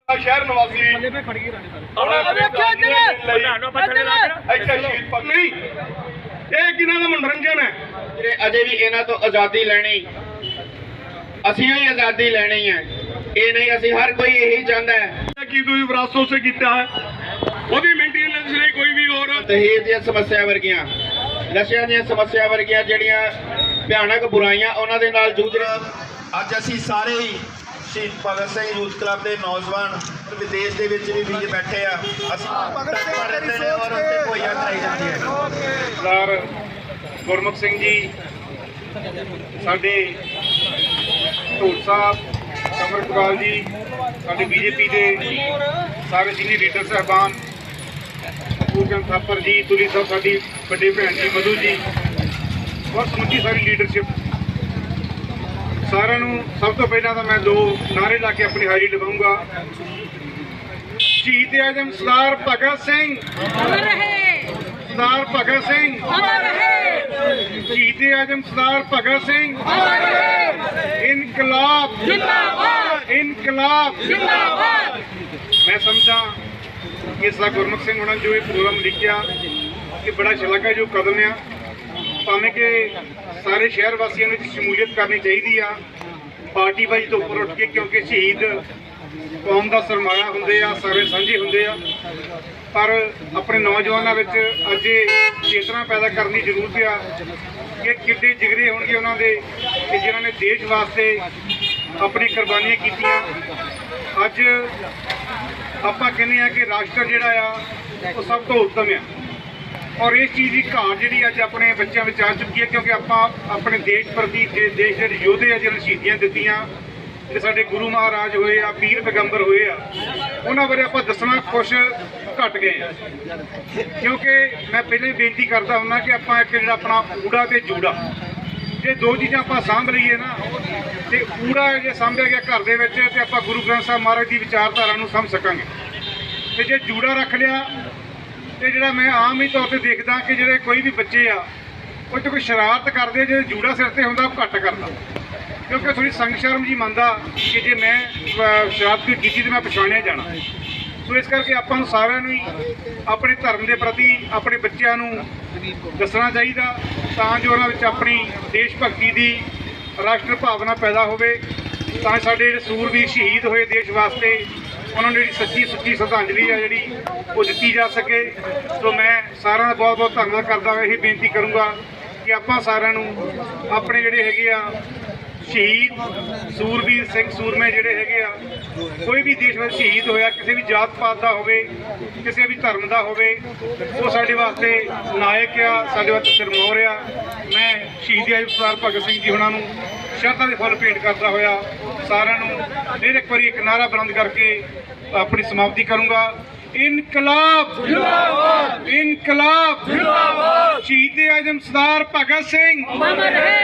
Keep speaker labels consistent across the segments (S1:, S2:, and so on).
S1: शहर निवासी मनोरंजन है अजे भी इन्हां तो आज़ादी लैनी असीं भी आज़ादी लैनी है ये नहीं असीं हर कोई यही चाहता है कि विरासतों से किया है ਉਹਦੀ ਮੇਨਟੇਨੈਂਸ ਲਈ ਕੋਈ ਵੀ ਹੋਰ ਦਹੇਜ ਦੀਆਂ ਸਮੱਸਿਆ ਵਰਗੀਆਂ ਨਸ਼ਿਆਂ ਦੀਆਂ ਸਮੱਸਿਆ ਵਰਗੀਆਂ ਜਿਹੜੀਆਂ ਭਿਆਨਕ ਬੁਰਾਈਆਂ ਉਹਨਾਂ ਦੇ ਨਾਲ ਜੂਝ ਰਹੇ ਅੱਜ ਅਸੀਂ ਸਾਰੇ ਹੀ ਸ਼ਹੀਦ ਭਗਤ ਸਿੰਘ ਯੂਥ ਕਲੱਬ ਦੇ ਨੌਜਵਾਨ ਵਿਦੇਸ਼ ਦੇ ਵਿੱਚ ਵੀ ਵੀਰ ਬੈਠੇ ਆ ਅਸੀਂ ਭਗਤ ਸਿੰਘ ਰਹਿੰਦੇ ਨੇ ਔਰ ਉੱਥੇ ਭੋਈਆਂ ਕਰਾਈ ਜਾਂਦੀ ਹੈ ਸਰਦਾਰ ਗੁਰਮੁਖ ਸਿੰਘ ਜੀ ਸਾਡੇ ਢੋਲ ਸਾਹਿਬ ਕਮਰਪਾਲ ਜੀ ਸਾਡੇ बीजेपी ਦੇ ਸਾਰੇ ਸੀਨੀਅਰ ਲੀਡਰ ਸਾਹਿਬਾਨ ਪੂਰਨ ਥਾਪਰ ਜੀ ਤੁਲੀ ਸਾਹਿਬ ਸਾਡੀ ਵੱਡੇ ਭੈਣ ਜੀ ਮਧੂ ਜੀ ਔਰ ਸਮੁੱਚੀ ਸਾਰੀ ਲੀਡਰਸ਼ਿਪ ਸਾਰਿਆਂ ਨੂੰ ਸਭ ਤੋਂ ਪਹਿਲਾਂ ਤਾਂ ਮੈਂ ਦੋ ਨਾਰੇ ਲਾ ਕੇ ਆਪਣੀ ਹਾਜ਼ਰੀ ਲਵਾਉਂਗਾ ਸ਼ਹੀਦ ਆਜ਼ਮ ਸਰਦਾਰ ਭਗਤ ਸਿੰਘ ਅਮਰ ਰਹੇ ਸਰਦਾਰ ਭਗਤ ਸਿੰਘ ਅਮਰ ਰਹੇ ਸ਼ਹੀਦ ਆਜ਼ਮ ਸਰਦਾਰ ਭਗਤ ਸਿੰਘ ਅਮਰ ਰਹੇ ਇਨਕਲਾਬ ਜਿੰਦਾਬਾਦ इनकलाब जिंदाबाद मैं समझा कि सर गुरमुख सिंह होना जो ये प्रोग्राम लिखा कि बड़ा शलाघायोग कदम आ भावें कि सारे शहर वासियों ने शमूलीयत करनी चाहिए पार्टी वाइज तो उपर उठ के क्योंकि शहीद कौम का सरमाया होंगे सारे साझे होंगे पर अपने नौजवानों में अज चेतना पैदा करने की जरूरत आ कि किड्डे जिगरे होंगे उन्होंने कि जिन्होंने देश वास्ते अपनी कुर्बानियां कीतियां अज आपां कहने कि राष्ट्र जिहड़ा आ वो सब तो उत्तम है और इस चीज़ की घाट जी अज अपने बच्चों में आ चुकी है क्योंकि आप अपने देश प्रति देश के योधे आ जिन्होंने शहीदियां दित्तियां ते साडे गुरु महाराज होए आ पीर पैगंबर होए आ उन्हां बारे आपां दसना कुछ घट गए क्योंकि मैं पहले ही बेनती करता हुंदा कि आपां एक जिहड़ा अपना ऊड़ा ते जूड़ा ये दो चीज़ां आपां सांभ लईए ना तो पूरा जो सांभिया गया घर दे विच ते आपां गुरु ग्रंथ साहिब महाराज की विचारधारा नूं समझ सकांगे ते जे जूड़ा रख लिया तो जिहड़ा मैं आम ही तौर पर देखदा कि जिहड़े कोई भी बच्चे आ वो तो कोई शरारत करते जो जूड़ा सिर ते हुंदा घट करदा क्योंकि थोड़ी संग शर्म जी मनदा कि जे मैं शरारत कोई कीती तो मैं पछाणिया जाना सो इस करके आपां नूं सारिआं नूं अपने धर्म के प्रति अपने बच्चों नूं दसना चाहिए तां जो उन्हां विच अपनी देश भगती की राष्ट्र भावना पैदा होवे तां साडे सूरवीर शहीद होए देश वास्ते उन्होंने जी सच्ची सुच्ची श्रद्धांजलि है जी वो दी जा सके तो मैं सारा बहुत बहुत धन्यवाद करता हुआ यही बेनती करूँगा कि आपां सारिआं नूं अपने जिहड़े हैगे आ शहीद सूरवीर सिंह सूरमे जिहड़े हैगे आ कोई भी देश में शहीद होया किसी भी जात पात का होवे किसी भी धर्म का होवे वो साडे वास्ते नायक आ साडे वास्ते सिरमौर आ मैं शहीद आज़म सरदार भगत सिंह जी होना शरधां दे फुੱਲ भेंट करता होया सारिआं नूं फिर एक बार एक नारा बुलंद करके अपनी समाप्ति करूँगा इनकलाब जिंदाबाद इनकलाब जिंदाबाद शहीद आज़म सरदार भगत सिंह अमर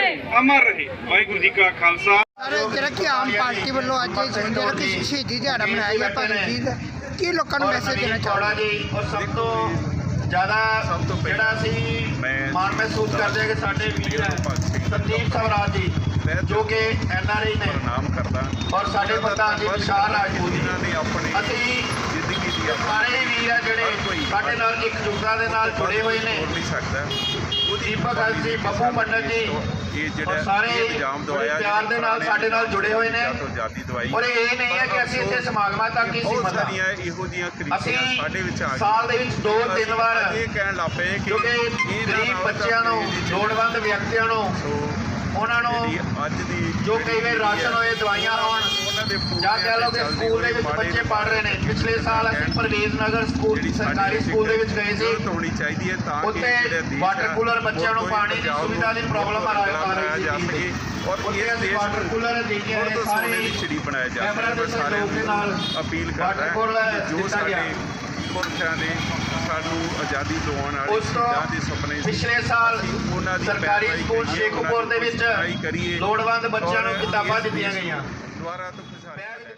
S1: रहे वाहिगुरू जी का खालसा
S2: ਜਿਹੜਾ ਕਿ ਆਮ ਪਾਰਟੀ ਵੱਲੋਂ ਅੱਜ ਜਿਹੜਾ ਕਿ ਸ਼ਹੀਦੀ ਦਿਹਾੜਾ ਮਨਾਇਆ ਗਿਆ ਭਗਤ ਜੀ ਦਾ ਕੀ ਲੋਕਾਂ ਨੂੰ ਮੈਸੇਜ ਦੇਣਾ ਚਾਹੁੰਦਾ
S1: ਜੀ ਔਰ ਸਭ ਤੋਂ ਜ਼ਿਆਦਾ ਜਿਹੜਾ ਅਸੀਂ ਮਾਣ ਮਹਿਸੂਸ ਕਰਦੇ ਹਾਂ ਕਿ ਸਾਡੇ ਵੀਰ ਸੰਦੀਪ ਸਵਰਾਜ ਜੀ जो कि NRI ने नाम करता और साढ़े प्रधान जी विशाल राजपूत जी ने अपनी जिंदगी दी सारे ही वीर है जिहड़े साडे नाल एकजुटता दे नाल जुड़े हुए ने दीपक जी बब्बू मंडल जी और सारे प्यार दे नाल साडे नाल जुड़े हुए ने और ये नहीं है कि असीं इत्थे समागमां तक ही सीमित हां असीं साल दे विच 2-3 वार क्योंकि गरीब बच्चिआं नूं लोड़वंद व्यक्तियों नूं उन्होंने जो कई बार राशन होए दवाइयां होन ਜਾਂ कह लो कि स्कूल ਦੇ ਵਿੱਚ ਬੱਚੇ ਪੜ੍ਹ ਰਹੇ ਨੇ ਪਿਛਲੇ ਸਾਲ ਅਸੀਂ ਪਰਵੇਜ਼ ਨਗਰ ਸਕੂਲ ਸਰਕਾਰੀ ਸਕੂਲ ਦੇ ਵਿੱਚ ਗਏ ਸੀ ਉੱਥੇ ਵਾਟਰ ਕੂਲਰ ਬੱਚਿਆਂ ਨੂੰ ਪਾਣੀ ਦੀ ਸੁਵਿਧਾ ਦੀ ਪ੍ਰੋਬਲਮ ਆ ਰਹੀ ਸੀ और वाटर कूलर देखे सारे बनाया जाता है सारे अपील करता है जो साडे पुरखियां ने सानू आज़ादी दिवाउण वाले शहीदां दे सुपने पिछले साल सरकारी स्कूल शेखपुर दे विच लोड़वंद बच्चों नूं किताबां दित्तियां गईयां।